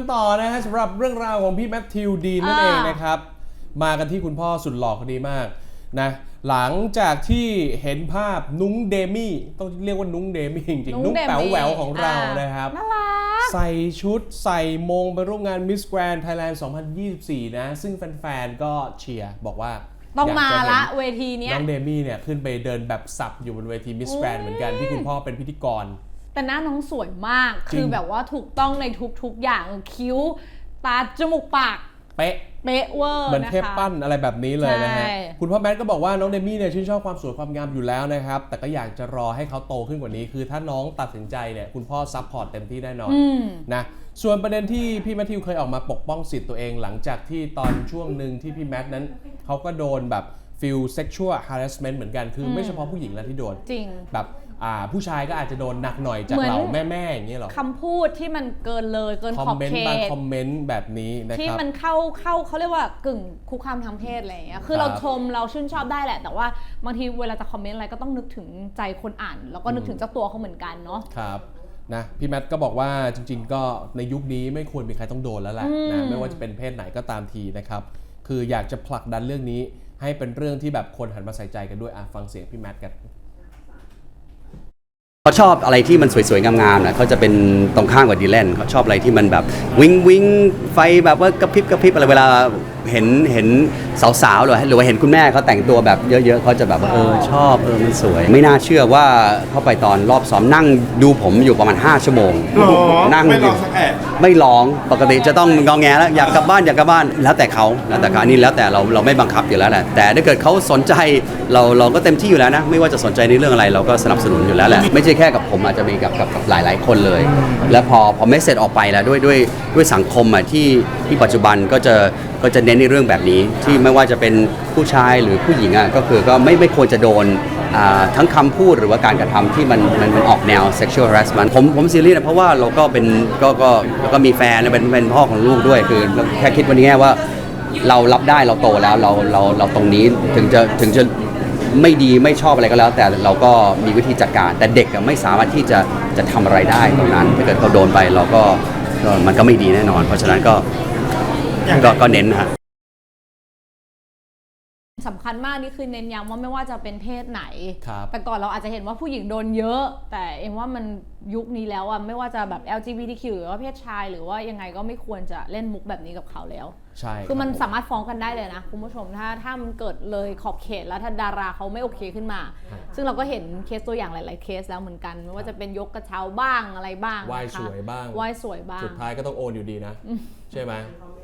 ต่อนะฮะสำหรับเรื่องราวของพี่แมทธิวดีนนั่นเองนะครับมากันที่คุณพ่อสุดหล่อคนนี้มากนะหลังจากที่เห็นภาพนุ้งเดมี่ต้องเรียกว่านุ้งเดมี่จริงๆนุ้งแป๋วแหววของเรานะครับใส่ชุดใส่มงไปร่วมงาน Miss Grand Thailand 2024 นะซึ่งแฟนๆก็เชียร์บอกว่าต้องมาละเวทีนี้น้องเดมี่เนี่ยขึ้นไปเดินแบบสับอยู่บนเวที Miss Grand เหมือนกันที่คุณพ่อเป็นพิธีกรแต่หน้าน้องสวยมากคือแบบว่าถูกต้องในทุกๆอย่างคิ้วตาจมูกปากเป๊ะเวอร์เหมือนเทพปั้นอะไรแบบนี้เลยนะฮะคุณพ่อแมทก็บอกว่าน้องเดมี่เนี่ยชื่นชอบความสวยความงามอยู่แล้วนะครับแต่ก็อยากจะรอให้เขาโตขึ้นกว่านี้คือถ้าน้องตัดสินใจเนี่ยคุณพ่อซัพพอร์ตเต็มที่แน่นอนนะส่วนประเด็นที่พี่แมทธิวเคยออกมาปกป้องสิทธิ์ตัวเองหลังจากที่ตอนช่วงหนึ่งที่พี่แมทนั้นเขาก็โดนแบบฟิล sexual harassment เหมือนกันคือไม่เฉพาะผู้หญิงแล้วที่โดนจริงแบบผู้ชายก็อาจจะโดนหนักหน่อยจากเหล่าแม่ๆอย่างเงี้ยหรอคำพูดที่มันเกินเลยเกินขอบเขตบางคอมเมนต์แบบนี้นะครับที่มันเข้าเขาเรียกว่ากึ่งคุกคามทางเพศอะไรอย่างเงี้ยคือเราชมเราชื่นชอบได้แหละแต่ว่าบางทีเวลาจะคอมเมนต์อะไรก็ต้องนึกถึงใจคนอ่านแล้วก็นึกถึงเจ้าตัวเขาเหมือนกันเนาะครับนะพี่แมทก็บอกว่าจริงๆก็ในยุคนี้ไม่ควรมีใครต้องโดนแล้วแหละนะไม่ว่าจะเป็นเพศไหนก็ตามทีนะครับคืออยากจะผลักดันเรื่องนี้ให้เป็นเรื่องที่แบบคนหันมาใส่ใจกันด้วยฟังเสียงพี่แมทกันเขาชอบอะไรที่มันสวยๆงามๆนะเขาจะเป็นตรงข้ามกับดีแลนเขาชอบอะไรที่มันแบบวิงไฟแบบว่ากระพริบอะไรเวลาเห็นสาวๆหรือว่าเห็นคุณแม่เขาแต่งตัวแบบเยอะๆเขาจะแบบว่าชอบมันสวยไม่น่าเชื่อว่าเข้าไปตอนรอบซ้อมนั่งดูผมอยู่ประมาณ5 ชั่วโมงนั่งไม่ร้องสักแอะไม่ร้องปกติจะต้องงอแงแล้วอยากกลับบ้านแล้วแต่เขาแล้วแต่การนี่แล้วแต่เราไม่บังคับอยู่แล้วแหละแต่ถ้าเกิดเขาสนใจเราก็เต็มที่อยู่แล้วนะไม่ว่าจะสนใจในเรื่องอะไรเราก็สนับสนุนอยู่แล้วแหละไม่ใช่แค่กับผมอาจจะมีกับหลายคนเลยแล้วพอเมสเสจออกไปแล้วด้วยสังคมที่ปัจจุบันก็จะเน้นในเรื่องแบบนี้ที่ไม่ว่าจะเป็นผู้ชายหรือผู้หญิงก็คือก็ไม่ควรจะโดนทั้งคำพูดหรือว่าการกระทำที่มันออกแนว sexual harassment ผมซีเรียสนะเพราะว่าเราก็เป็นก็มีแฟนเป็นพ่อของลูกด้วยคือแค่คิดวันนี้ว่าเรารับได้เราโตแล้วเราตรงนี้ถึงจะไม่ดีไม่ชอบอะไรก็แล้วแต่เราก็มีวิธีจัดการแต่เด็กไม่สามารถที่จะทำอะไรได้ตรงนั้นถ้าเกิดเขาโดนไปเราก็มันก็ไม่ดีแน่นอนเพราะฉะนั้นก็เน้นฮะสำคัญมากนี่คือเน้นย้ำว่าไม่ว่าจะเป็นเพศไหนแต่ก่อนเราอาจจะเห็นว่าผู้หญิงโดนเยอะแต่เอ็มว่ามันยุคนี้แล้วไม่ว่าจะแบบ LGBTQ หรือว่าเพศชายหรือว่ายังไงก็ไม่ควรจะเล่นมุกแบบนี้กับเขาแล้วใช่คือมันสามารถฟ้องกันได้เลยนะคุณผู้ชมถ้ามันเกิดเลยขอบเขตแล้วถ้าดาราเขาไม่โอเคขึ้นมาซึ่งเราก็เห็นเคสตัวอย่างหลายๆเคสแล้วเหมือนกันไม่ว่าจะเป็นยกกระเช้าบ้างอะไรบ้างไหว้สวยบ้างไหว้สวยบ้างสุดท้ายก็ต้องโอนอยู่ดีนะใช่ไหม